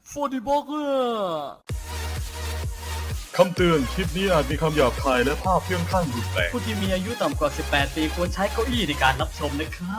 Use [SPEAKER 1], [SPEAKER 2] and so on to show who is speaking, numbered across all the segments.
[SPEAKER 1] ฟูดิบอกเกอร์
[SPEAKER 2] คำเตือนคลิปนี้อาจมีคำหยาบคายและภาพเพื่องข้างรุนแรง
[SPEAKER 1] ผู้ที่มีอายุต่ำกว่า 18 ปีควรใช้เก้าอี้ในการรับชมนะครับ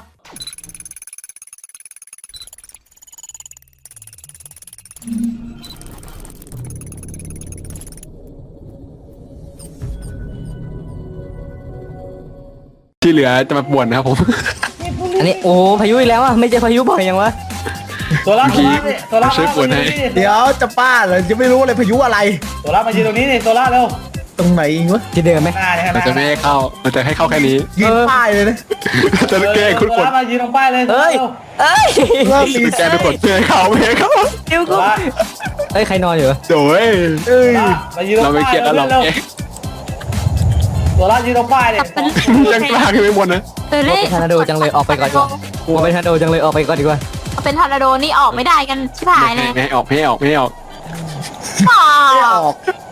[SPEAKER 3] ที่เหลือจะมาป่วนนะครับผม
[SPEAKER 4] อันนี้โอ้พายุอีกแล้วอ่ะไม่เจอพายุบ่อยยังวะ
[SPEAKER 5] ตัวรับตัวรับตัวรับ
[SPEAKER 3] ช่วยปวดให้
[SPEAKER 6] เดี๋ยวจะป้าเหรอจะไม่รู้เลยพายุอะไร
[SPEAKER 5] ตัวรับมายืนตรงนี้นี่ตัวรับเร็ว
[SPEAKER 6] ตรงไหนอีกวะ
[SPEAKER 4] ที่เดิมไหม
[SPEAKER 5] หน้าเนี่ย
[SPEAKER 3] มันจะไม่ให้เข้า มันจะให้เข้าแค่นี้
[SPEAKER 6] ยืนป้ายเลยนะ
[SPEAKER 3] จะแกล้งคุณ
[SPEAKER 5] ตัว
[SPEAKER 3] กด
[SPEAKER 5] รับมายืนตรงป้ายเลย
[SPEAKER 4] เอ้ยเอ้ย
[SPEAKER 6] เริ่มมี
[SPEAKER 3] จะแกล้งทุกคนไม่ให้เข้าไม่ให้เข้า
[SPEAKER 4] เดี๋ยวกูเอ้ยใครนอนอยู่
[SPEAKER 3] โถ่เอ้ย
[SPEAKER 6] เอ้ย
[SPEAKER 5] มายืนตร
[SPEAKER 3] เรา
[SPEAKER 5] ง
[SPEAKER 3] ไม่
[SPEAKER 5] ป้าย
[SPEAKER 3] เครียดแล้วเราแกล้ง
[SPEAKER 5] ตัวรับยืนตรงป้ายเนี่ย
[SPEAKER 3] ยังกล้าขึ้นไปบนนะ
[SPEAKER 7] ตัวเลข
[SPEAKER 4] ทอร์นาโดจังเลยออกไปก่อนดีกว่าโอ้เป็นทอร์นาโดจังเลยออกไปก่อนดีกว่า
[SPEAKER 7] เป็นทอร์นาโดนี่ออกไม่ได้กันชิบหายเลย
[SPEAKER 3] ไม่ให้ออกไม่ให้ออกไม่ให้ออก
[SPEAKER 7] อ๋อ
[SPEAKER 6] ไม่ออก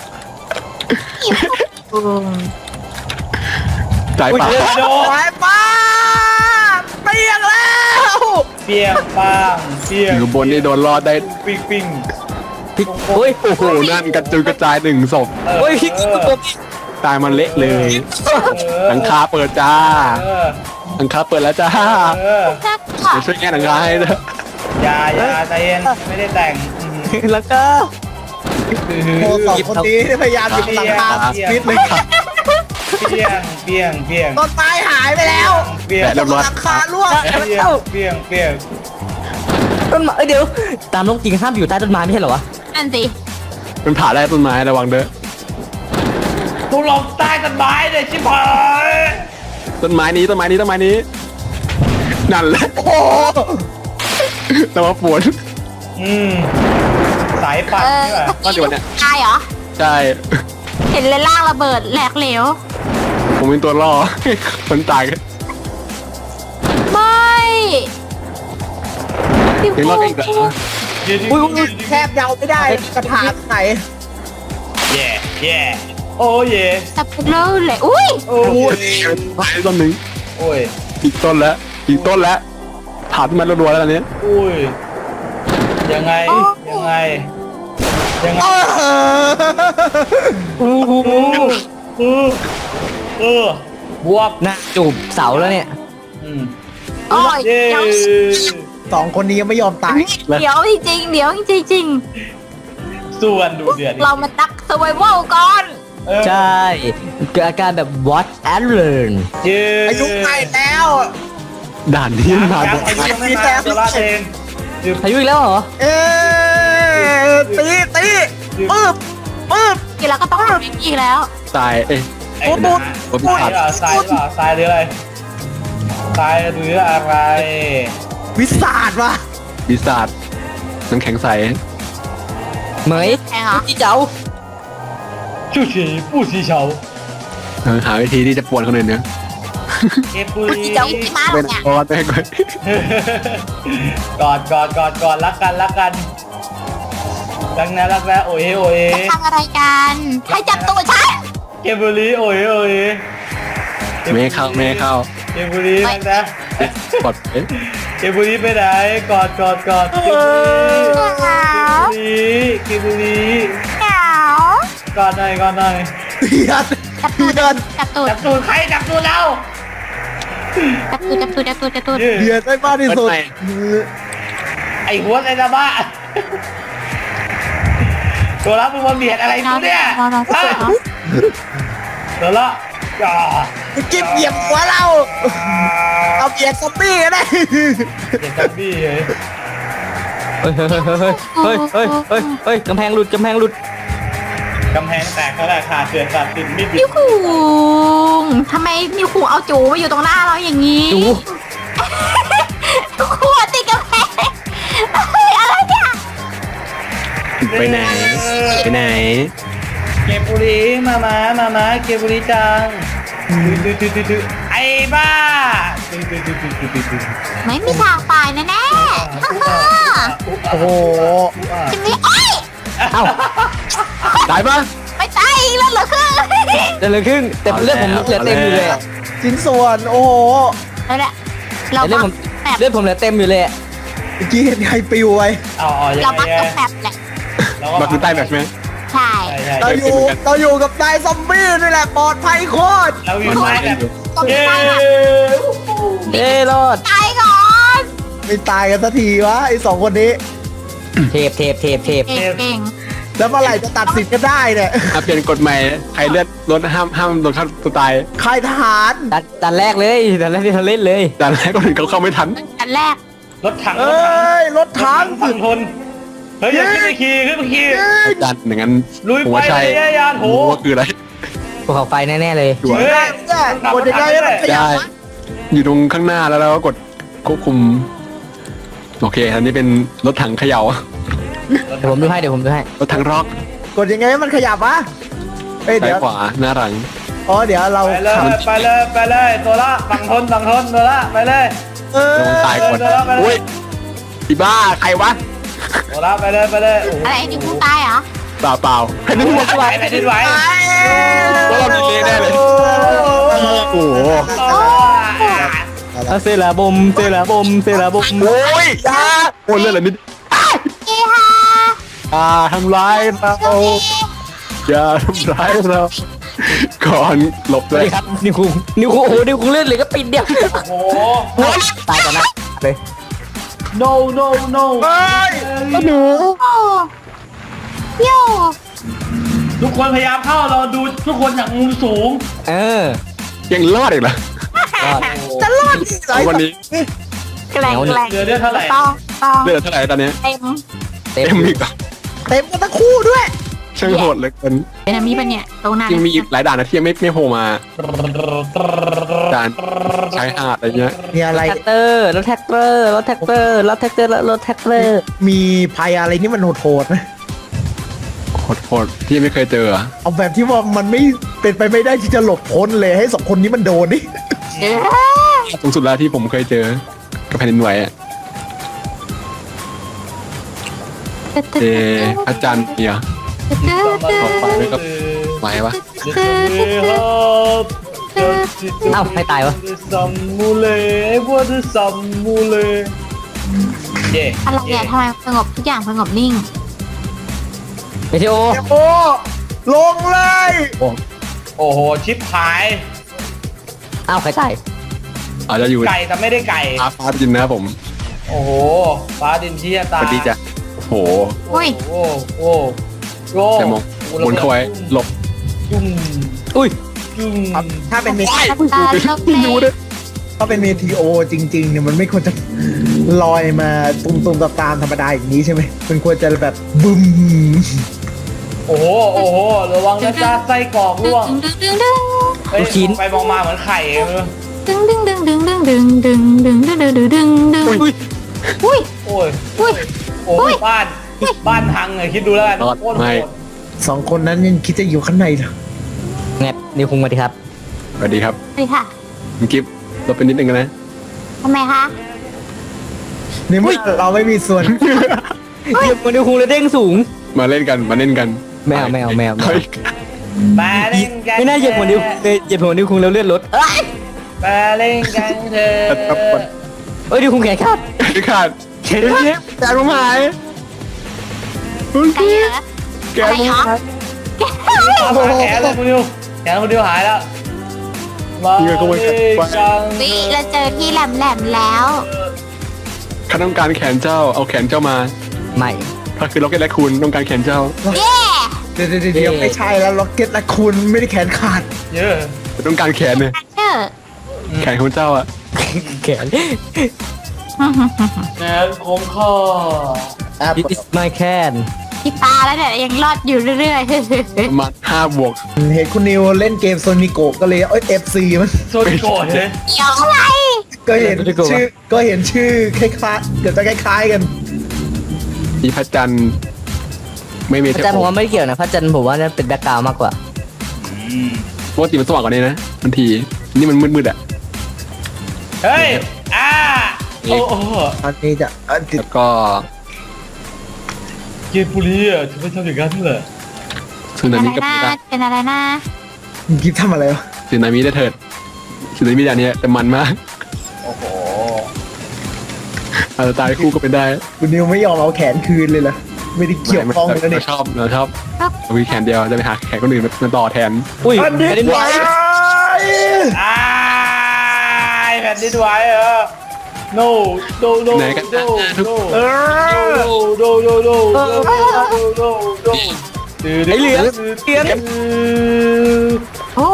[SPEAKER 3] จ่ายเปล่า
[SPEAKER 5] โด
[SPEAKER 6] ไปป้าเปียกแล้ว
[SPEAKER 5] เปียงปังเปียง
[SPEAKER 3] อยู่บนนี่โดนรอดได้
[SPEAKER 5] ปิ้งปิ้ง
[SPEAKER 4] พลิกโอ้ย
[SPEAKER 3] โอ้โหนั่นกระจุยกระจายหนึ่งศพ
[SPEAKER 4] โอ้ยพลิกตัว
[SPEAKER 3] ตายมันเละเลยหลังคาเปิดจ้าหลังคาเปิดแล้วจ้า
[SPEAKER 7] แค่ค่ะ
[SPEAKER 3] เดี๋ยวช่วยแก้หลังคาให้นะ
[SPEAKER 5] อย่าใจเย็นไม่ได้แต่ง
[SPEAKER 4] แล้วก็
[SPEAKER 6] โอ้สองคนนี้พยายามหยิบหลังคาฟิตเลย
[SPEAKER 5] เปียงเปียงเปียง
[SPEAKER 6] ต้นไม้หายไปแล้ว
[SPEAKER 5] เปียง
[SPEAKER 3] แปะเรียบร้อย
[SPEAKER 6] หลังคาร่วง
[SPEAKER 5] เปียงเปียงเปียง
[SPEAKER 4] ต้นไม้เอ้ยเดี๋ยวตามโลกจริงห้ามอยู่ใต้ต้นไม้ไม่ใช่เหรอวะ
[SPEAKER 7] นั่นสิ
[SPEAKER 3] มันผ่าได้ต้นไม้ระวังเด้อ
[SPEAKER 5] ทุลงใต้ต้นไม้เลยชิบหาย
[SPEAKER 3] ต้นไม้นี้ต้นไม้นี้ต้นไม้นี้นั่นแหละ
[SPEAKER 6] โอ้โห
[SPEAKER 3] แต่ว่าปวด
[SPEAKER 5] สายปัดนี่แหละ
[SPEAKER 3] ก็เดี๋ยวเนี่ย
[SPEAKER 7] ตายเหรอ
[SPEAKER 3] ใช่
[SPEAKER 7] เห็นเลยล่างระเบิดแหลกเหลว
[SPEAKER 3] ผมเป็นตัวล่อ คนตายกัน
[SPEAKER 7] ไม่พี่
[SPEAKER 3] ยังรอดกันอีกเหรอ
[SPEAKER 6] อุ้ยแทบเดาไม่ได้กระถางไหน
[SPEAKER 5] แย่แย่โอ้เย่
[SPEAKER 7] จะเป็นเลิศเลยอุ้ย
[SPEAKER 5] โอ้ย
[SPEAKER 3] ตายต้นหนึ่ง
[SPEAKER 5] โอ้ย
[SPEAKER 3] อีกต้นแล้วอีกต้นแล้วผ่านมันรัวๆแล้วตอนนี้
[SPEAKER 5] อุ้ยยังไงยังไงยังไงบวก
[SPEAKER 4] หน้าจูบเสาแล้วเนี่ย
[SPEAKER 7] โอ้ย
[SPEAKER 5] เย่
[SPEAKER 7] เดี๋ยว
[SPEAKER 6] สองคนนี้ยังไม่ยอมตาย
[SPEAKER 7] เดี๋ยวจริงๆเดี๋ยวจริง
[SPEAKER 5] ส่วนดูเดือด
[SPEAKER 7] ๆเรามาตักสวายเวลก่อน
[SPEAKER 4] ใช่เกิดอาการแบบ watch and learn
[SPEAKER 5] เย่
[SPEAKER 6] อายุใกล้แล้ว
[SPEAKER 3] ด่านนี้มา
[SPEAKER 5] ยังอายุยังไม่มาตัวละเอง
[SPEAKER 4] พายุอีกแล้วเหรอ
[SPEAKER 6] เอ๊ตีปึ๊บ
[SPEAKER 7] ทีเราก็ต้องทำอีกแล้ว
[SPEAKER 3] ตายเอ้ย
[SPEAKER 5] ไอ้นะทรายหรือเปล่าทรายหรืออะไรทรายหรืออะไร
[SPEAKER 6] วิสาดว่ะ
[SPEAKER 3] ปีศาจน้ำแข็งใส
[SPEAKER 4] เหมย
[SPEAKER 7] แพงเหรอ
[SPEAKER 4] พี่เจ้า
[SPEAKER 5] ชูชีผู้ชีเฉา
[SPEAKER 3] หาวิธีที่จะป่วนคนอื่นเนี่ย
[SPEAKER 5] เก็บปุย
[SPEAKER 7] พี่เจ้าพี่มาหร
[SPEAKER 3] เป็
[SPEAKER 7] อน เนี่ย
[SPEAKER 3] คอร์สไปก่อน
[SPEAKER 5] กอดรักกันรักนะโอ้ยโอ้ย
[SPEAKER 7] จะทำอะไรกันให้จับตัวฉัน
[SPEAKER 5] เก็บบุรีโอ้ยโอ้ย
[SPEAKER 3] ไม่ให้เข้าไม่ให้เข้า
[SPEAKER 5] เก็บบุรีนะ
[SPEAKER 3] กดเอ๊ะ
[SPEAKER 5] เก็บบุรีไปไหนกอดเก็บบุรี
[SPEAKER 7] เหงาก
[SPEAKER 5] อดหน่อย
[SPEAKER 6] เพียน
[SPEAKER 7] จับตูด
[SPEAKER 6] เพียน
[SPEAKER 7] จับตูด
[SPEAKER 5] จับตูดใครจับตูดเรา
[SPEAKER 7] จับตูดจับตูดจับตูดจับตูด
[SPEAKER 6] เพียนได้มากที่สุด
[SPEAKER 5] ไอหัวไอ้ตาบ้าตัวรับมึงมาเบียดอะไรกูเนี่ยตัวละจ่า
[SPEAKER 6] กิ๊บเหยียบหัวเรา เอาเบียดซอมบี้ก็ได้
[SPEAKER 5] เด็กกับบี้เลย
[SPEAKER 4] เฮ้ยกำแพงหลุด
[SPEAKER 5] กำแพงแตกเขาแหละขาดเสือขาดติดมิด
[SPEAKER 7] นิวคุงทำไมนิวคุงเอาจูมาอยู่ตรงหน้าเราอย่างนี้
[SPEAKER 4] จู
[SPEAKER 7] นิวคุงติดกำแพงเฮ้ยอะไรเนี่ย
[SPEAKER 3] ไปไหนไปไหน
[SPEAKER 5] เก็บบุรีมาเก็บบุรีจังไอ้บ้า
[SPEAKER 7] ไม่มีทางไปแน่ๆ
[SPEAKER 6] โอ้โห
[SPEAKER 7] จิมมี่เอ้ย
[SPEAKER 4] เอ้า
[SPEAKER 3] ตายปะ
[SPEAKER 7] ไม่ตายอีกแล้วเหรอคือ
[SPEAKER 4] เดี๋ยวเลยครึ่งแต่เลือดผมเหลือเต็มอยู่เลยอะ
[SPEAKER 6] ชิ้นส่วน โอ้โห
[SPEAKER 7] แล้วแหละเรา
[SPEAKER 4] เลือดผม
[SPEAKER 7] แบบ
[SPEAKER 4] เลือดผมเหลือเต็มอยู่เลยอะ
[SPEAKER 6] เมื่อกี้เห็นใครปิวไว้
[SPEAKER 5] เอายัง
[SPEAKER 7] เรา
[SPEAKER 5] ไง
[SPEAKER 7] บักกับแฟบแหละ
[SPEAKER 3] มาคือใต้แบบใช่ไหม
[SPEAKER 7] ใช่
[SPEAKER 5] ใช่
[SPEAKER 6] เราอยู่กับนายซอมบี้นี่แหละปลอดภัยโคตร
[SPEAKER 5] เราอยู่ใต้แบบ
[SPEAKER 7] ต้อง
[SPEAKER 5] เย้
[SPEAKER 7] ตายอ่ะ
[SPEAKER 4] เอ้รอด
[SPEAKER 7] ตายก่อน
[SPEAKER 6] ไม่ตายกันสักทีวะไอ้สองคนนี้
[SPEAKER 4] เทป
[SPEAKER 7] เก่ง
[SPEAKER 6] แล้วเมื่อไหร่จะตัดสินกันได้เนี่ย
[SPEAKER 3] เปลี่ยนกฎใหม่ใครเลือดลดห้ามโดนฆ่าตัวตาย
[SPEAKER 6] ค่ายทหาร
[SPEAKER 4] ดันแรกเลยดันแรกที่เราเล่นเลย
[SPEAKER 3] แต่แรกคนอื่นเขาเข้าไม่ทัน
[SPEAKER 7] อันแรก
[SPEAKER 5] รถถัง
[SPEAKER 6] เอ้ยรถถัง
[SPEAKER 5] ฝั่งทนเฮ้ยอย่าขึ้นไปขี่ขึ้นไปขี่
[SPEAKER 3] อาจารย์อย่างนั้น
[SPEAKER 5] ลุย
[SPEAKER 3] ผม
[SPEAKER 5] ไป
[SPEAKER 3] ว่าใช่
[SPEAKER 5] เลยยานโห
[SPEAKER 3] ผมว่าคืออะไร
[SPEAKER 4] ภูเขาไฟแน่ๆเลย
[SPEAKER 3] ด่วน
[SPEAKER 5] เฮ้ย
[SPEAKER 6] เนี่ยกดยังไงให้มันขยับ
[SPEAKER 3] ได้
[SPEAKER 6] วะ
[SPEAKER 3] อยู่ตรงข้างหน้าแล้วเราก็กดควบคุมโอเคอันนี้เป็นรถถังเขย่า
[SPEAKER 4] เดี๋ยวผมดูให้
[SPEAKER 3] รถถังร็อก
[SPEAKER 6] กดยังไงให้มันขยับวะเอ้ย
[SPEAKER 3] ซ้า
[SPEAKER 6] เดี๋
[SPEAKER 3] ย
[SPEAKER 6] ยว
[SPEAKER 3] ขวาหน้าหลัง
[SPEAKER 6] อ๋อเดี๋ยวเรา
[SPEAKER 5] ไปเลยไปเลยไปเลยตัวละฝั่งทนตัวละไปเลย
[SPEAKER 6] เออ
[SPEAKER 3] ลงตายก่อน
[SPEAKER 5] เดินแล้วไปเลย
[SPEAKER 3] อุ้ยอีบ้าใครวะ
[SPEAKER 5] ตัวละไปเลยโอ้โห
[SPEAKER 7] อะไรนี่กูตายเหรอ
[SPEAKER 3] เปล่าแผ่นดินไหว
[SPEAKER 5] แผ่นดินไหว
[SPEAKER 3] ว่าเราดีเลยแน่เลยโอ้โห
[SPEAKER 4] เซลาบมเซลาบม
[SPEAKER 3] โอ้ยจ้าโอ้ยเลือดอะไรนิด
[SPEAKER 7] เฮ้ฮา
[SPEAKER 3] ทำร้ายเราอย่าทำร้ายเราก่อนหลบ
[SPEAKER 4] ส
[SPEAKER 3] เล
[SPEAKER 4] วัส
[SPEAKER 3] ย
[SPEAKER 4] ดีครับนิวคุงโอ้โหนิวคุงเล่นเลยก็ปิดเดียว
[SPEAKER 5] โอ้โห
[SPEAKER 4] ตายก่อนนะเลย
[SPEAKER 5] no
[SPEAKER 6] เฮ้ย
[SPEAKER 4] หนู
[SPEAKER 7] โอ้โย่
[SPEAKER 5] ทุกคนพยายามเข้าเราดูทุกคนจากมุมสูง
[SPEAKER 3] ยังรอดอีกเหรอ
[SPEAKER 4] รอด
[SPEAKER 6] จะรอดที่ไหน
[SPEAKER 3] วันนี้
[SPEAKER 7] แกล้ง
[SPEAKER 5] เหลือเดือนเท่าไหร่
[SPEAKER 7] ต้อง
[SPEAKER 3] เลือดเท่าไหร่ตอนนี้
[SPEAKER 7] เต็ม
[SPEAKER 4] เต็ม
[SPEAKER 3] เต็มอีกเหรอ
[SPEAKER 6] เต็มกันทั้งคู่ด้วย
[SPEAKER 3] ช่างโหดเหลยกัน
[SPEAKER 7] เป็นอันนี้ปะเนี่ยตรงนั้น
[SPEAKER 3] ยังมีอีกหลายด่านนะที่ยังไม่โผล่มาด่านชายหาดอะไรเงี้ย
[SPEAKER 6] มีอะไร
[SPEAKER 4] แท็กเตอร์รถแท็กเตอร์
[SPEAKER 6] มีภัยอะไรนี่มันโหดๆนะ
[SPEAKER 3] โหดที่ยังไม่เคยเจออะ
[SPEAKER 6] เอาแบบที่ว่ามันไม่เป็นไปไม่ได้ที่จะหลบพ้นเลยให้สองคนนี้มันโดนนี่
[SPEAKER 7] เอ๊ะ
[SPEAKER 3] สูงสุดแล้วที่ผมเคยเจอกับแผ่นดินไหวอะพระจันทร์เนี่ย ไหวปะ
[SPEAKER 4] เอ้าให้ตายวะ
[SPEAKER 5] ซัมมูเลว่าจะซัมมูเลเย่
[SPEAKER 7] อะไรเนี่ยทำไมสงบทุกอย่างสงบนิ่ง
[SPEAKER 4] เมทิโอ
[SPEAKER 6] โอ้ลงเลย
[SPEAKER 5] โอ้โหชิปหาย
[SPEAKER 4] เอ้าใครตาย
[SPEAKER 3] อาจจะอยู่
[SPEAKER 5] ไก่แต่ไม่ได้ไก่
[SPEAKER 3] ฟ้าดินนะครับผม
[SPEAKER 5] โอ้โหฟ้าดินที่
[SPEAKER 3] ส
[SPEAKER 5] ตา
[SPEAKER 3] วัสดีจ้ะโอ้โห
[SPEAKER 7] อุ้ย
[SPEAKER 5] โอ้โอ้โอ้
[SPEAKER 3] แต่มองบนเข้าไว้หลบ
[SPEAKER 5] จุ่ม
[SPEAKER 4] อุ้ย
[SPEAKER 5] จุ่ม
[SPEAKER 6] ถ้าเป็นเม
[SPEAKER 7] ตาลบเลย
[SPEAKER 6] ถ้าเป็นเมทีโอจริงๆเนี่ยมันไม่ควรจะลอยมาตุ่มๆตามธรรมดาอย่างนี้ใช่ไหมมันควรจะแบบบึ้ม
[SPEAKER 5] โอ้โหโอ้โหระวังนะจ๊ะไส้กรอกร่วง
[SPEAKER 7] ดึง
[SPEAKER 5] เฮ้ยไปมองมาเหมือนไข่เลย
[SPEAKER 7] ดึงอุ้ย
[SPEAKER 5] โอ้ย
[SPEAKER 7] อุ้ย
[SPEAKER 5] โอ้ยบ้านพังเลยคิดดูแล้วกัน
[SPEAKER 3] รอด
[SPEAKER 5] โคตรโห
[SPEAKER 3] ไม่
[SPEAKER 5] ด
[SPEAKER 6] สองคนนั้นยังคิดจะอยู่ข้างในเหรอ
[SPEAKER 4] แงบนิวคุงมาดีครับ
[SPEAKER 3] สวัสดีครับ
[SPEAKER 7] สวัสดีค่ะ
[SPEAKER 3] คุณกิฟต์เราเป็นนิดนึงนะ
[SPEAKER 7] ทำไมคะ
[SPEAKER 6] ในเมื่อเราไม่มีส่วน
[SPEAKER 4] เหยียบนิวคุงเลยเด้งสูง
[SPEAKER 3] มาเล่นกัน
[SPEAKER 4] แมว
[SPEAKER 3] เฮ้ย
[SPEAKER 5] มาเล่นกัน
[SPEAKER 4] ไม่น่าเหยียบหัวนิวเหยียบหัวนิวคุงแล้วเลือดลด
[SPEAKER 5] มาเล่นกันเถอะ
[SPEAKER 4] เอ้ยนิวคุงแขนขาด
[SPEAKER 3] พี่ขาดเฮ้ยแกผมหายคุณ
[SPEAKER 7] ไก่
[SPEAKER 3] กิฟ
[SPEAKER 7] เหร
[SPEAKER 3] ต์
[SPEAKER 7] อ
[SPEAKER 3] แกผมหาย
[SPEAKER 5] ตามหาแขนเลยคุณดิวแขนคุณดิวหายแล้วมาเล่นกัน
[SPEAKER 7] วิเราเจอที่แหลมแล้ว
[SPEAKER 3] ข้าต้องการแขนเจ้าเอาแขนเจ้ามา
[SPEAKER 4] ใหม่
[SPEAKER 3] ถ้าคือล็อกเก็ตและคุณต้องการแขนเจ้า
[SPEAKER 7] เย้
[SPEAKER 6] เดี๋ยวไม่ใช่แล้วล็อกเก็ตและคุณไม่ได้แขนขาด
[SPEAKER 5] เยอะ
[SPEAKER 3] ต้องการแขนเนี่ย
[SPEAKER 7] เชื่อ
[SPEAKER 3] แขนของเจ้าอะ
[SPEAKER 4] แขน
[SPEAKER 5] แขนของข้า
[SPEAKER 4] It is my can
[SPEAKER 7] ที่ตาแล้วเนี่ยยังรอดอยู่เรื่อย
[SPEAKER 3] ประมาณ5 บวก
[SPEAKER 6] เห็นคุณนิวเล่นเกมโซนิโกก็เลยFC มัน
[SPEAKER 5] โซนิโกะเลย
[SPEAKER 7] ๆเกี่ยวอะไร
[SPEAKER 6] ก็เห็นชื่อคล้ายๆเกือบจะคล้ายๆกัน
[SPEAKER 3] มีพระจันทร์ไม่มี
[SPEAKER 4] พ
[SPEAKER 3] เท
[SPEAKER 4] ระ
[SPEAKER 3] พ
[SPEAKER 4] จันทร์ผมว่าไม่ได้เกี่ยวนะพระจันทร์ผมว่าเป็นแบ็คกราวด์มากกว่า
[SPEAKER 3] ปกติมันสว่างกว่านี้นะบางทีนี่มันมืดๆอะ
[SPEAKER 5] เฮ้ยโอ้โห
[SPEAKER 6] อันนี้จะติด
[SPEAKER 3] แล้วก็
[SPEAKER 5] เกมบุรีอ่ะจะไม่ทำอย่างนั้นเหรอ
[SPEAKER 3] สึนา
[SPEAKER 7] อะไร
[SPEAKER 3] มิกับ
[SPEAKER 7] นะเป็นอะไรนะ
[SPEAKER 6] กิฟทำอะไรวะ
[SPEAKER 3] สึนามิได้เถิดสึนามิอย่างนี้แต่มันมาก
[SPEAKER 5] โอ้โห
[SPEAKER 3] อาจจะตายคู่ก็เป็นได้
[SPEAKER 6] คุณนิวไม่ยอมเอาแขนคืนเลยเหรอไม่ได้เกี่ยวข้องเลยนะ
[SPEAKER 3] เรา
[SPEAKER 6] เนี่ย
[SPEAKER 3] ชอบมีแขนเดียวจะไปหาแขนคนอื่นมาต่อแทน
[SPEAKER 4] อุ้ย
[SPEAKER 6] อันนี้
[SPEAKER 4] แผ่นดินไหว
[SPEAKER 5] อ้ายแผ่นดินไหวเหรอ no no no
[SPEAKER 3] ไหนกัน
[SPEAKER 5] no
[SPEAKER 3] นะทุก
[SPEAKER 5] no
[SPEAKER 6] เออ
[SPEAKER 5] no no no no no no no
[SPEAKER 4] ไอเหลืองเหลือง
[SPEAKER 7] โอ้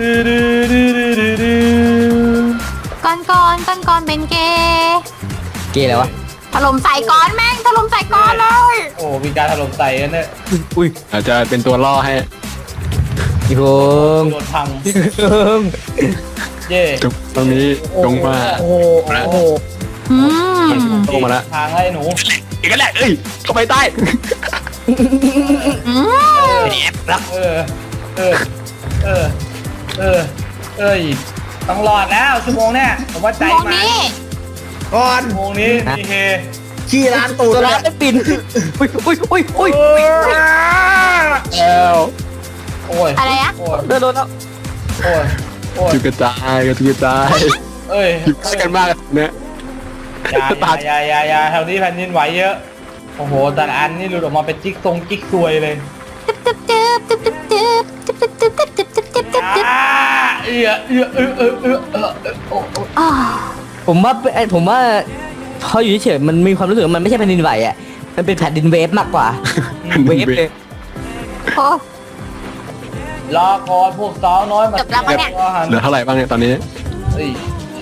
[SPEAKER 7] ก้อนเป็นเกย์
[SPEAKER 4] เกย์อะไรวะ
[SPEAKER 7] ถล่มใส่ก้อนแม่งถล่มใส่ก้อนเลย
[SPEAKER 5] โอ้มีการถล่มใส่กันเนี่ย
[SPEAKER 4] อุ้ย
[SPEAKER 3] อาจจะเป็นตัวล่อให้
[SPEAKER 4] พี่พงษ์
[SPEAKER 5] โดนพัง
[SPEAKER 4] พี่พงษ์
[SPEAKER 5] เย่
[SPEAKER 3] ตรงนี้ลงมา
[SPEAKER 6] โอ้โหโอ้โห
[SPEAKER 7] อืม
[SPEAKER 3] ลงมาแล้ว
[SPEAKER 5] ทางให้หนู
[SPEAKER 3] อีกแล้วแหละเอ้ยเข้าไปใต้
[SPEAKER 7] อืม
[SPEAKER 5] เออเออเออเออเอ้ยต้องรอดแล้วชั่วโมงเนี่ยผมว่าใจ
[SPEAKER 7] มอง
[SPEAKER 5] มา
[SPEAKER 7] นี้
[SPEAKER 6] ก่อน
[SPEAKER 5] ชั่วโมงนี้มีเฮ
[SPEAKER 6] ขี้ร้านตูด
[SPEAKER 4] ตัว
[SPEAKER 6] เล
[SPEAKER 4] ร้าย นได้ปินอุ้ยอุ้ยอุ้ยอุ้ย
[SPEAKER 3] แล้ว
[SPEAKER 5] โอ้ย
[SPEAKER 7] อะไรอะ
[SPEAKER 5] โอ้ย
[SPEAKER 4] โดนแล้ว
[SPEAKER 5] โอ้ยโอ้ย
[SPEAKER 3] จุกกระจายจุกกระจาย
[SPEAKER 5] เอ้ย
[SPEAKER 3] อยู่ใกล้กันมากเนี่ย
[SPEAKER 5] อย่าแถวนี้แผ่นดินไหวเยอะโอ้โหแต่ละอันนี่หลุดออกมาเป็นจิ๊กซวยเลย
[SPEAKER 7] ตึ๊บตึ๊บตึ๊บตึ๊บตึ๊บตึ๊บตึ๊บตึ๊บตึ๊บตึ๊บตึ๊บตึ๊บตึ๊บ
[SPEAKER 5] โอ้
[SPEAKER 7] อ้าว
[SPEAKER 4] ผมว่าพออยู่เฉยๆมันมีความรู้สึกว่ามันไม่ใช่แผ่นดินไหวอ่ะมันเป็นแผ่นดินเวฟมากกว่าเวฟเลย
[SPEAKER 7] โอ้
[SPEAKER 5] รอก่อนพวกสาวน้อยมา
[SPEAKER 7] จบแล้วปะเนี่ย
[SPEAKER 3] เหลือเท่าไหร่บ้างเนี่ยตอนนี้
[SPEAKER 5] เฮ้ย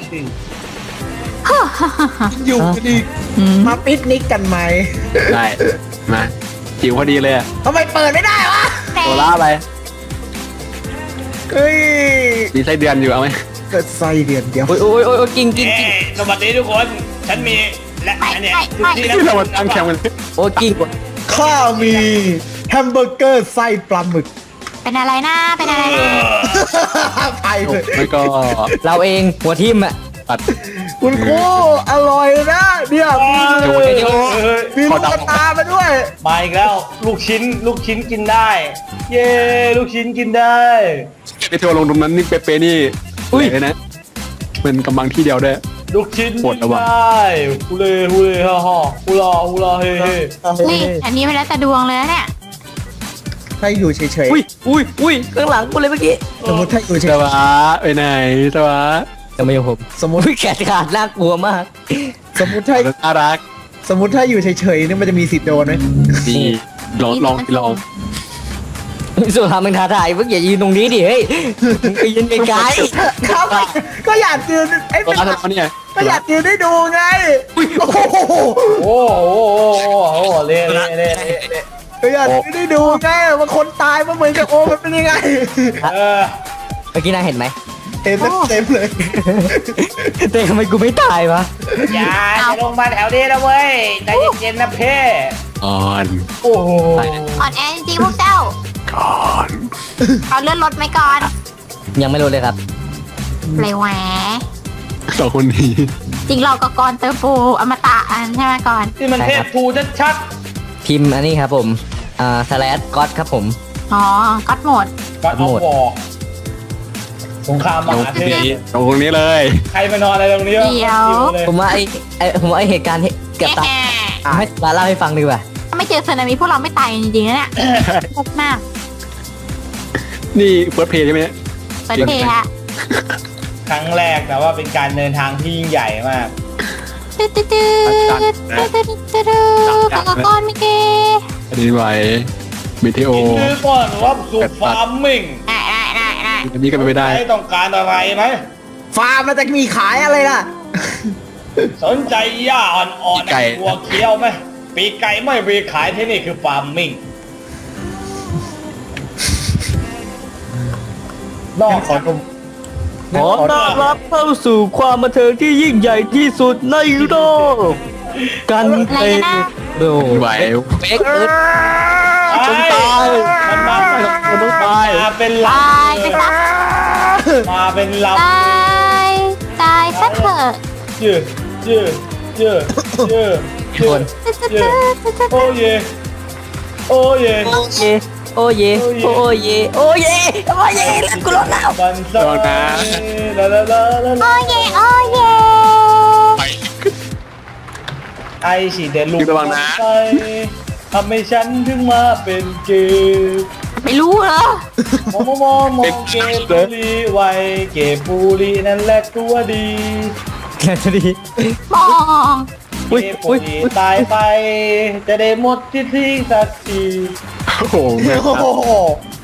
[SPEAKER 6] อยู่กันอีก
[SPEAKER 7] อืม
[SPEAKER 6] มาปิกนิกกันไหม
[SPEAKER 3] ได้มาจิ๋วพอดีเลยอะ
[SPEAKER 6] ทำไมเปิดไม่ได้วะ
[SPEAKER 3] ตัวล่าไป
[SPEAKER 6] เฮ้ย
[SPEAKER 3] มีไส้เดือนอยู่เอาไหม
[SPEAKER 6] เกิดไส้เดือนเดียว
[SPEAKER 4] โอ้ยโอ้ยโอ้ยกินกิน
[SPEAKER 5] เอ้
[SPEAKER 4] กิน
[SPEAKER 5] สวัสดีทุกคน ฉันมีและอันเนี้ยที่
[SPEAKER 3] ที่เรามาตั้งแคมป์กัน
[SPEAKER 4] โอ้ยกิน
[SPEAKER 6] ข้ามีแฮมเบอร์เกอร์ไส้ปลาหมึก
[SPEAKER 7] เป็นอะไรนะเป็นอะไรนะ
[SPEAKER 6] ไปเลย
[SPEAKER 3] ไม่ก็
[SPEAKER 4] เราเองหัวทิ่มอ่ะ
[SPEAKER 3] ตัด
[SPEAKER 6] คุณครูอร่อยนะเนี่ยมีลูกกระตามาด้วย
[SPEAKER 5] มาอีกแล้ว ลูกชิ้นกินได้ เย้ลูกชิ้นกินได้
[SPEAKER 3] ไปเที่ยวลงตรงนั้นนี่เป๊ะๆนี่เลยนะเป็นกำลังที่เดียวได้
[SPEAKER 5] ลูกชิ้น
[SPEAKER 3] ปวด
[SPEAKER 5] กิ
[SPEAKER 3] ระ
[SPEAKER 5] น
[SPEAKER 3] วัง
[SPEAKER 5] ได้ฮูเล่ฮ่าฮ่าฮูลาเฮ้เฮ้
[SPEAKER 7] นี่อันนี้ไม่แล้วแต่ดวงเลยนะเนี่ย
[SPEAKER 6] ถ้าอยู่เฉย
[SPEAKER 4] อุ้ยอุ้ยอุ้ยข้างหลังกูเลยเมื่อกี้
[SPEAKER 6] ๆสมมติถ้าอยู่เฉ
[SPEAKER 3] ส
[SPEAKER 6] ยว
[SPEAKER 3] ะไปไหนสวะ
[SPEAKER 4] จะไม่ยอมผม
[SPEAKER 6] สมมติ
[SPEAKER 4] อุ้ยแขนขาดน่ากลัวมาก
[SPEAKER 6] สมมติถ้า
[SPEAKER 3] น่ารัก
[SPEAKER 6] สมมติถ้าอยู่เฉยๆนี่มันจะมีสิทธิ์โดนไหม
[SPEAKER 3] ดีลอง
[SPEAKER 4] สุดท้ายมึงท้าทายเพิ่งอย่ายืนตรงนี้ดิเฮ้ยมึงไปยืนไกล
[SPEAKER 6] ครับก็อยากยืนไอ้
[SPEAKER 3] ตัว
[SPEAKER 6] เป็น
[SPEAKER 3] ล่าตัวเนี่ย
[SPEAKER 6] ก็อยากยืนได้ดูไงโอ้โห
[SPEAKER 5] โอ้โหเล่
[SPEAKER 6] ก็อยากยืนได้ดูไงว่าคนตายมันเหมือนกับโอมันเป็นยังไง
[SPEAKER 5] เออ
[SPEAKER 4] ๆเมื่อกี้นายเห็นไหม
[SPEAKER 6] เห็นเต็มเลย
[SPEAKER 4] แต่ทำไมกูไม่ตายวะ
[SPEAKER 5] อย่าจะลงมาแถวนี้นะเว้ยใจเย็นๆนะเพ่
[SPEAKER 3] ก่อน
[SPEAKER 5] โอ้โห
[SPEAKER 7] อ่อนแอจริงๆพวกเจ้า
[SPEAKER 3] ก่อน
[SPEAKER 7] เอาเลื่อนรถไหมก่อน
[SPEAKER 4] ยังไม่รู้เลยครับ
[SPEAKER 7] เลยแหว
[SPEAKER 3] สองคนนี้
[SPEAKER 7] จริงเราก็กรเตอร์ฟูอมตะอันใช่ไหมก่อน
[SPEAKER 5] นี่มันเทพทูชัด
[SPEAKER 4] พิมพ์อันนี้ครับผมสแลดก็อดครับผม
[SPEAKER 7] อ๋อก็อดโหมด
[SPEAKER 5] ๆก็เอาวอสงครามม
[SPEAKER 3] ตรง
[SPEAKER 5] หาเทพ
[SPEAKER 3] นี้ตรงนี้เลย
[SPEAKER 5] ใครมานอนอะไรตรงนี้วะ
[SPEAKER 7] เดี๋ยว
[SPEAKER 5] เลย
[SPEAKER 4] ผมว่าผมว่าไอเหตุการณ์กับตา
[SPEAKER 7] แหม
[SPEAKER 4] ให้ตาเล่าให้ฟังดีกว่า
[SPEAKER 7] ถ้าไม่เจอสึนามิพวกเราไม่ตายจริงๆนะเนี่ยพบมาก
[SPEAKER 3] นี่เฟิร์สเพย์ใช่ไหม
[SPEAKER 7] เปิดเพลงฮะ
[SPEAKER 5] ครั้งแรกแต่ว่าเป็นการเดินทางที่ยิ่งใหญ่มาก
[SPEAKER 7] ตึ๊ดตึ๊ดตึ๊ดตึ๊ดตึ๊ดตึ๊ดตึ๊ดกากอนมิเก
[SPEAKER 3] อันนี้ไหวมิเทโอ
[SPEAKER 5] ยินดีต้อนรับสู่ฟาร์มมิ่ง
[SPEAKER 7] ได้ได้ได้ได้
[SPEAKER 3] อันนี้ก็ไม่ได้
[SPEAKER 5] ใครต้องการอะไรไหม
[SPEAKER 6] ฟาร์มมันจะมีขายอะไรล่ะ
[SPEAKER 5] สนใจหญ้าอ่อนๆหัวเคี้ยวไหมปีกไก่ไม่มีขายที่นี่คือฟาร์มมิ่งนอกจาก
[SPEAKER 4] ขอต้อนรับเข้าสู่ความบันเทิงที่ยิ่งใหญ่ที่สุดในโลกกันเป็นโด
[SPEAKER 3] ไหว
[SPEAKER 4] เฟกเอิร์ธ
[SPEAKER 5] จนตายมันมา
[SPEAKER 3] ต้องตาย
[SPEAKER 5] มาเป็นล
[SPEAKER 7] ตายไปซะ
[SPEAKER 5] ำมาเป็นล
[SPEAKER 7] ตายตายซะเถอะ
[SPEAKER 5] ำยืดยืดยืดยืด
[SPEAKER 4] คน
[SPEAKER 7] ตึ๊ดตึ๊ดตึ๊ดตึ๊ดตึ๊ด
[SPEAKER 5] โอ้เยโอ้เย
[SPEAKER 4] โอเยโอเยโอเยโอเยโอเยแล้วกูรอดแล้ว
[SPEAKER 5] บันซาลาลาลาลา
[SPEAKER 7] โอ้เย่โอ้เย่
[SPEAKER 3] ไป
[SPEAKER 5] ไอฉีดเดลูก
[SPEAKER 3] ระวังนะ
[SPEAKER 5] ไปทำให้ฉันถึงมาเป็นเกย์
[SPEAKER 7] ไม่รู้เหรอ
[SPEAKER 5] มองเกย์บุรีไวเกย์บุรีนั่นแหละตัวดี
[SPEAKER 4] แค่จะดี
[SPEAKER 7] มอง
[SPEAKER 5] เกย์บุรีตายไป จะได้หมดที่ทิ้งสักที
[SPEAKER 3] โอ้โหแม่ง
[SPEAKER 6] โอ้โห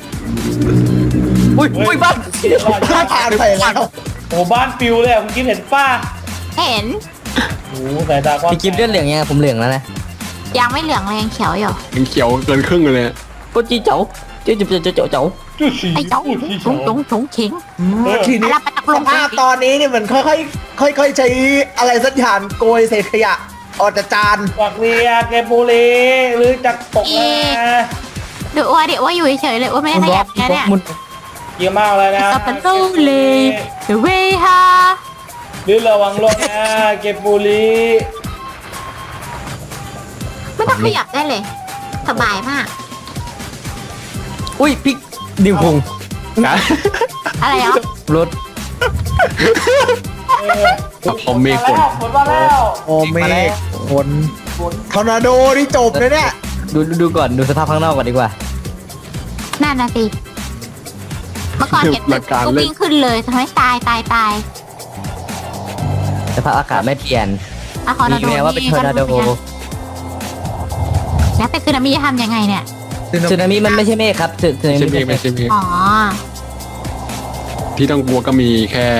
[SPEAKER 4] อุ้ยบ้าน
[SPEAKER 6] ถ้าผ่านไปแล้ว
[SPEAKER 5] โอ้บ้านปิวเลยอะคุณกิ๊ฟเห็นป้า
[SPEAKER 7] เห็น
[SPEAKER 5] โอ้สายตากว้าง
[SPEAKER 4] พี่กิฟต์เลือดเหลืองยังผมเหลืองแล้วนะ
[SPEAKER 7] ยังไม่เหลืองเลยยังเขียวอยู่
[SPEAKER 3] ยังเขียวเกินครึ่งเลย
[SPEAKER 4] ก็จีเจ๋าเจ๋าเจ๋าเจ๋าเจ๋าเจ๋า
[SPEAKER 5] จุดสี
[SPEAKER 7] ไอ้เจ้า
[SPEAKER 5] จุดสี
[SPEAKER 7] จงจงจงเข็ง
[SPEAKER 6] ทีนี้
[SPEAKER 7] อะไรไปตกลง
[SPEAKER 6] ภาพตอนนี้นี่เหมือนค่อยๆใช้อะไรสักอย่างโกยเศษขยะออกจากจาน
[SPEAKER 5] ฝักเรียเกย์บุรีหรือจักตกนะ
[SPEAKER 7] เดี๋ยวว่าอยู่เฉยๆเลยว่าไม่ได้ขยับแค่เนี่ย
[SPEAKER 4] มุน
[SPEAKER 5] เยอะมากเลยนะ
[SPEAKER 7] กับเป็นตู้เลยเดี๋ยวเว้ยฮะ
[SPEAKER 5] หรือระวังรถนะเกย์บุรี
[SPEAKER 7] ไม่ต้องขยับได้เลย สบายมาก
[SPEAKER 4] อุ้ยพี่ดิวพง
[SPEAKER 3] นะ
[SPEAKER 7] อะไรอ่ะ
[SPEAKER 4] รถ
[SPEAKER 3] พอเมฆฝน
[SPEAKER 5] ฝนมาแล้ว
[SPEAKER 6] โอเมฆฝนทอร์นาโดนี่จบเลยเนี่ย
[SPEAKER 4] ดูก่อนดูสภาพข้างนอกก่อนดีกว่า
[SPEAKER 7] นั่นนะสิเมื่อก่อนเห็นตึกก็วิ่งขึ้นเลยทำให้ตาย
[SPEAKER 4] สภาพอากาศไม่เปลี่ยน
[SPEAKER 7] อะคอร์
[SPEAKER 4] มีแม้ว่าเป็นทอร์นาโด
[SPEAKER 7] แล้วเป็นสึนามิจะทำยังไงเนี่ย
[SPEAKER 4] สึนามิมันไม่ใช่เมฆครับสึนา
[SPEAKER 3] ไม่ใช่เม
[SPEAKER 4] มิ
[SPEAKER 3] ฆไม่ใช่เมฆ
[SPEAKER 7] อ๋อ
[SPEAKER 3] ที่ต้องกลัวก็มีแค่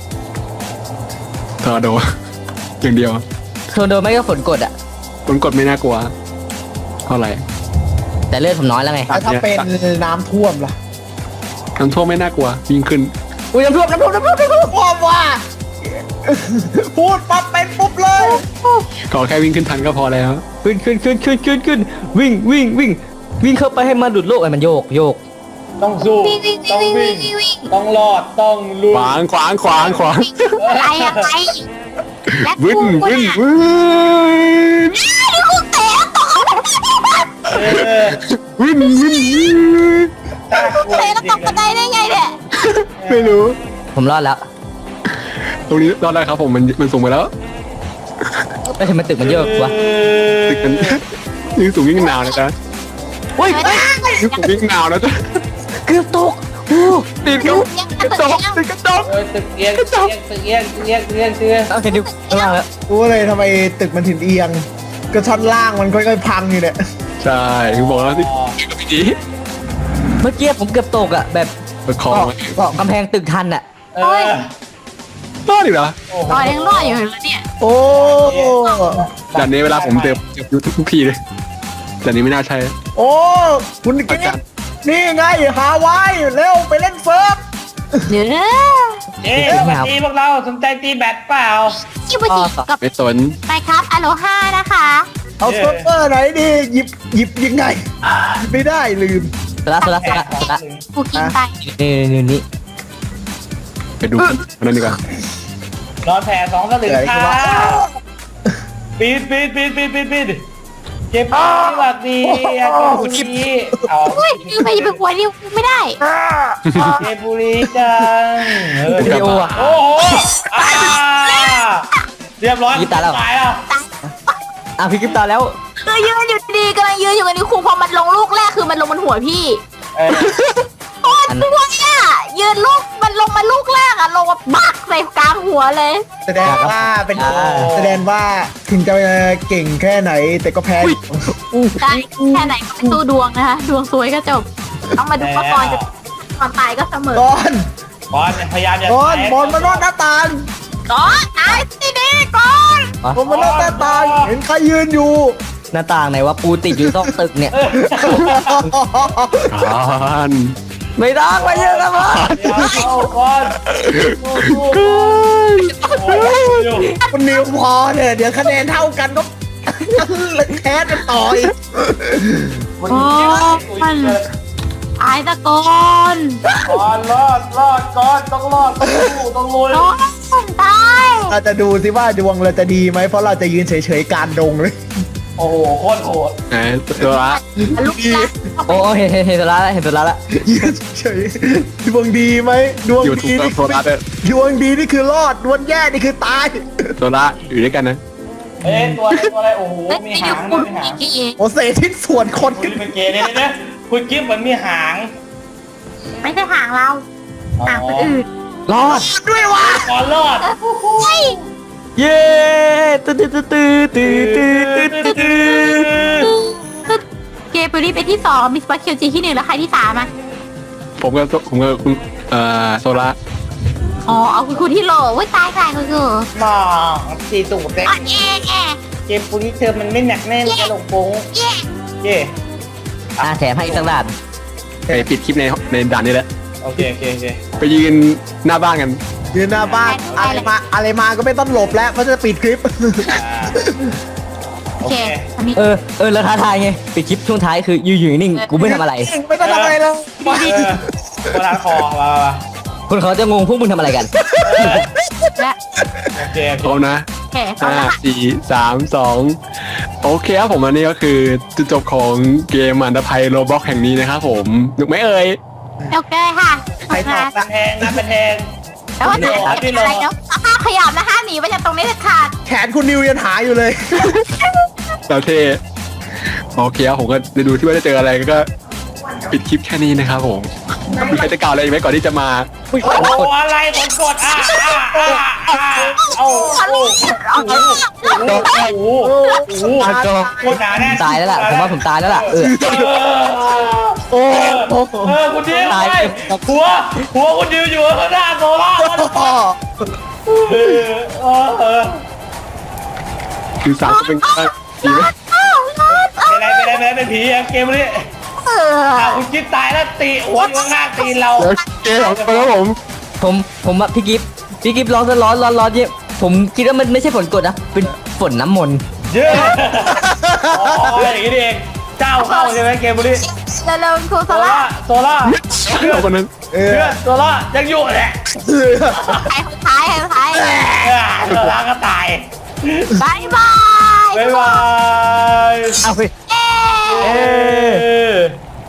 [SPEAKER 3] ทอร์นาโด อย่างเดียว
[SPEAKER 4] ทอร์นาโดไม่ก็ฝนกดอ่ะ
[SPEAKER 3] ฝนกดไม่น่ากลัวเท่าไหร่
[SPEAKER 4] แต่เลือดผมน้อยแล้วไง
[SPEAKER 6] แล้วถ้าเป็นน้ำท่วมล่ะ
[SPEAKER 3] น้ำท่วมไม่น่ากลัวยิ่งขึ้น
[SPEAKER 4] อุ้ยน้ำท่วม
[SPEAKER 6] ท่วมว่า พูดปั๊บเป็นปุ๊บเลย
[SPEAKER 3] ขอแค่วิ่งขึ้นทันก็พอแล้ว
[SPEAKER 4] ขึ้นวิ่งเข้าไปให้มันดุดโลกไอ้มันโยก
[SPEAKER 5] ต้องสู้
[SPEAKER 7] วิ่ง
[SPEAKER 5] ต้องวิ่งต้องรอดต้องลุย
[SPEAKER 3] ขวาง
[SPEAKER 7] อะไรอะไรและ
[SPEAKER 3] วิ่ง
[SPEAKER 7] กู
[SPEAKER 3] วิ่ง
[SPEAKER 7] เนี่ย
[SPEAKER 3] วิ่ง
[SPEAKER 7] นี่กูเตะตก
[SPEAKER 5] เออ
[SPEAKER 3] วิ่ง
[SPEAKER 5] น่ากลัว
[SPEAKER 7] เตะแล้ว
[SPEAKER 5] จ
[SPEAKER 7] ต
[SPEAKER 5] ริ
[SPEAKER 7] ก
[SPEAKER 5] ง
[SPEAKER 7] กระไดได้ไงเนี่ย
[SPEAKER 3] ไม่รู้
[SPEAKER 4] ผมรอดแล้ว
[SPEAKER 3] ตรงนี้รอดได้ครับผมมันสูงไปแล้ว
[SPEAKER 4] ไม่ทำไมตึกมันโยกวะ
[SPEAKER 3] ตึกมันยิ่งสูงยิ่งหนาวนะจ๊ะ
[SPEAKER 4] อุ้ย
[SPEAKER 3] ยิ่งสูงยิ่งหนาวนะจ๊ะ
[SPEAKER 4] เกือบตกโอ้
[SPEAKER 3] ติดกระจกติดกระจก
[SPEAKER 5] เออตึกเอียงตึกเอียง
[SPEAKER 4] เอาเห็นดิวข้างล่างแล้ว
[SPEAKER 6] รู้เลยทำไมตึกมันถึงเอียง ก็ชั้นล่างมันค่อยๆพังอยู่เนี่ย
[SPEAKER 3] ใช่ถึงบอกแล้วที่กับพี่จี
[SPEAKER 4] เมื่อกี้ผมเกือบตกอ่ะแบบ
[SPEAKER 3] ประคองไว้
[SPEAKER 4] เกาะกำแพงตึกทันอ่ะ
[SPEAKER 5] เออ
[SPEAKER 3] รอดอีกเหรอ
[SPEAKER 7] รอยังรออยู่แล้วเนี่ย
[SPEAKER 6] โอ้
[SPEAKER 3] ด่านนี้เวลาผมเจอทุกทีเลยด่านนี้ไม่น่าใช่
[SPEAKER 6] โอ้คุณกิ๊ฟนี่ไงฮาวายเร็วไปเล่นเซิร์ฟ
[SPEAKER 7] เดี๋ยวนะ
[SPEAKER 5] เอ๊ะวันนี้พวกเราสนใจตีแบดเปล่า
[SPEAKER 7] ชิบุจิกับ
[SPEAKER 3] ไม่สน
[SPEAKER 7] ไปครับอโลฮานะคะ
[SPEAKER 6] เอาเซิร์ฟเวอร์ไหนดีหยิบยังไงหยิบไม่ได้ลืม
[SPEAKER 4] สละ
[SPEAKER 7] กูกินไป
[SPEAKER 4] นี่
[SPEAKER 3] ไปดูคนนั้นดีกว่า
[SPEAKER 5] นอนแผ่สองสลึงค่ะปีดเก็บปีดหวัดดีเก็บบุรีเอา
[SPEAKER 7] เฮ้ยยืมไปอย่าไปกลัวดิวไม่ได้
[SPEAKER 5] เก็บบุรีจัง
[SPEAKER 4] วิดีโออ่ะ
[SPEAKER 5] โอ้โหเรียบร้อยตายแล้ว
[SPEAKER 4] อ่ะพี่กิฟต์ตาแล้ว
[SPEAKER 7] คือยืนอยู่ดีกำลังยืนอยู่กันนี่ครูพอมันลงลูกแรกคือมันลงบนหัวพี่โคตรสวยอ่ะยืนลูกมันลงมาลูกแรกอ่ะลงมาบักใส่กลางหัวเลย
[SPEAKER 6] แสดงว่าเป็นแสดงว่าถึงจะเก่งแค่ไหน แต่ก็แพ้
[SPEAKER 7] ได้แค่ไหนก็เป็นตู้ดวงนะคะดวงสวยก็จบต้องมาดูว่าก่อนจะก่อนตายก็เสมอ
[SPEAKER 6] ก่อน
[SPEAKER 5] บอลพยายามอย่า
[SPEAKER 6] ก่อนบอลมานอกหน้าต่าง
[SPEAKER 7] ก่อนตายสิดีก่อน
[SPEAKER 6] บอลมานอกหน้าต่างเห็นใครยืนอยู่
[SPEAKER 4] หน้าต่างไหนว่าปูติดอยู่ต้องตึกเนี่ย
[SPEAKER 3] อ่าน
[SPEAKER 4] ไม่ต้องไปเยอะแล้วมั้ง
[SPEAKER 5] เอาก่อน
[SPEAKER 6] คุณนิวพอเนี่ยเดี๋ยวคะแนนเท่ากันก็แพ้กันต่ออีก
[SPEAKER 7] โอ้มันตายตะกอน
[SPEAKER 5] ก่อนรอดก่อนต้องรอดต้องลุย
[SPEAKER 7] โอ้ยตาย
[SPEAKER 6] เราจะดูสิว่าดวงเราจะดีไหมเพราะเราจะยืนเฉยๆกลารดงเลย
[SPEAKER 5] โอ้โหโคตรโหด
[SPEAKER 3] ไหนตัวละ
[SPEAKER 7] ลูกนะ
[SPEAKER 4] โอ้เห็นตัวละแล้วเห็นตัวละแล้ว
[SPEAKER 6] ยืนเฉยๆดวงดีไหมดวง
[SPEAKER 3] อยู่ถู
[SPEAKER 6] ดี
[SPEAKER 3] ก
[SPEAKER 6] นี่
[SPEAKER 3] ตัวละด้วย
[SPEAKER 6] ดวงดีนี่คือรอดดวงแย่นี่คือตาย
[SPEAKER 3] ตัวละอยู่ด้วยกันนะ
[SPEAKER 5] เอ้ยตัวอะไรโอ้โห
[SPEAKER 7] เฮ้ย
[SPEAKER 5] มี
[SPEAKER 7] ไป
[SPEAKER 5] หา
[SPEAKER 7] ดู
[SPEAKER 5] ง
[SPEAKER 7] คุ
[SPEAKER 5] นะ
[SPEAKER 7] ณ
[SPEAKER 5] มีหาง
[SPEAKER 7] พี่
[SPEAKER 6] โอเซชิ้นส่วนคน
[SPEAKER 5] คุณเป็นเกย์เนี่ยคุณกิ๊บเหมือนมีหาง
[SPEAKER 7] ไม่ใช่หางเราหางคนอื่น
[SPEAKER 4] รอด
[SPEAKER 5] ก่อนรอด
[SPEAKER 7] เฮ้ย
[SPEAKER 4] เย้ตื้อตื้อตื้อตื้อตื้อตื้อตื้อ
[SPEAKER 7] เกมไปรีเป็นที่2มิสปาเคียวจีที่1แล้วใครที่3อ่ะ
[SPEAKER 3] ผมกับคุณโซล่า
[SPEAKER 7] อ๋อเอาคุณที่โหลเว้ยตายคุณคือ
[SPEAKER 5] มองสีตูดเด็ก
[SPEAKER 7] อ๋อเย่เย่
[SPEAKER 5] เกมปุริเธอมันไม่หนักแน่นกระโหลกโป้ง
[SPEAKER 7] เย่
[SPEAKER 5] เย่
[SPEAKER 4] แถมให้อีกสักด่าน
[SPEAKER 3] ไปปิดคลิปในด่านนี้แหละ
[SPEAKER 5] โอเค
[SPEAKER 3] ไปยืนหน้าบ้านกัน
[SPEAKER 6] ยืนหน้าบ้านอะไรมาก็ไม่ต้องหลบแล้วเพราะจะปิดคลิป
[SPEAKER 7] โอเคอันนี้
[SPEAKER 4] แล้วท้าทายไงปิดคลิปช่วงท้ายคืออยู่นิ่งกูไม่ทำอะไร
[SPEAKER 6] ไม่ต้องทำอะไรเลย
[SPEAKER 5] โบราณคอมา
[SPEAKER 4] คนเขาจะงงพวกมึงทำอะไรกัน
[SPEAKER 7] และ
[SPEAKER 5] โอเค
[SPEAKER 3] พร้อมนะ
[SPEAKER 7] โอเคพร้อมแล้วค่ะ
[SPEAKER 3] 5 4 3 2โอเคครับผมอันนี้ก็คือจุดจบของเกมอันดภัยโรบล็อกแห่งนี้นะครับผมหนุกไหมเอ่ย
[SPEAKER 7] โอเคค่ะ
[SPEAKER 6] ใครตอบนะ
[SPEAKER 5] แทงนะเป็นแทง
[SPEAKER 7] แล้วว่าจะอะไรเนาะห้ามขยับนะห้ามหนีไปจากตรงนี้เด็ดขาด
[SPEAKER 6] แขนคุณนิวยังหาอยู่เลย
[SPEAKER 3] แล้วเท่โอเคครับผมก็ได้ดูที่ว่าจะเจออะไรก็ปิดคลิปแค่นี้นะครับผมมีใครจะกล่าวอะไรอีกไหมก่อนที่จะมา
[SPEAKER 5] โอ้อะไรคนกดโอ้โหหนาแน่
[SPEAKER 4] ตายแล้วล่ะผมว่าผมตายแล้วล่ะ
[SPEAKER 5] คุณดิวไปหัวคุณดิวอยู่ข้างหน้าโซล่า
[SPEAKER 3] คือสามก็เป็นข้าดีไหม
[SPEAKER 5] เป็นไรเป็นผีเกมนี้คุณกิ๊บตายแล้วตีหัวอยู่ข้างหน้าตีเรา
[SPEAKER 3] แล้วเกมของเราครับผม
[SPEAKER 4] ผมอะพี่กิฟร้อนเยอะผมคิดว่ามันไม่ใช่ฝนกรดนะเป็นฝนน้ำมนต์
[SPEAKER 5] เยอะอย่างนี้เองเจ้าเข้าใช่ไหมเกมนี้
[SPEAKER 7] เร็วๆครูโซ
[SPEAKER 5] โซล่า
[SPEAKER 3] เอาคนนั้น
[SPEAKER 5] เพื่อนโซล่ายังอยู่แหละ
[SPEAKER 7] ใครคนท้าย
[SPEAKER 5] โซล่าก็ตาย
[SPEAKER 7] บายบาย
[SPEAKER 5] บ๊ายบาย
[SPEAKER 4] เอาไป
[SPEAKER 7] เย้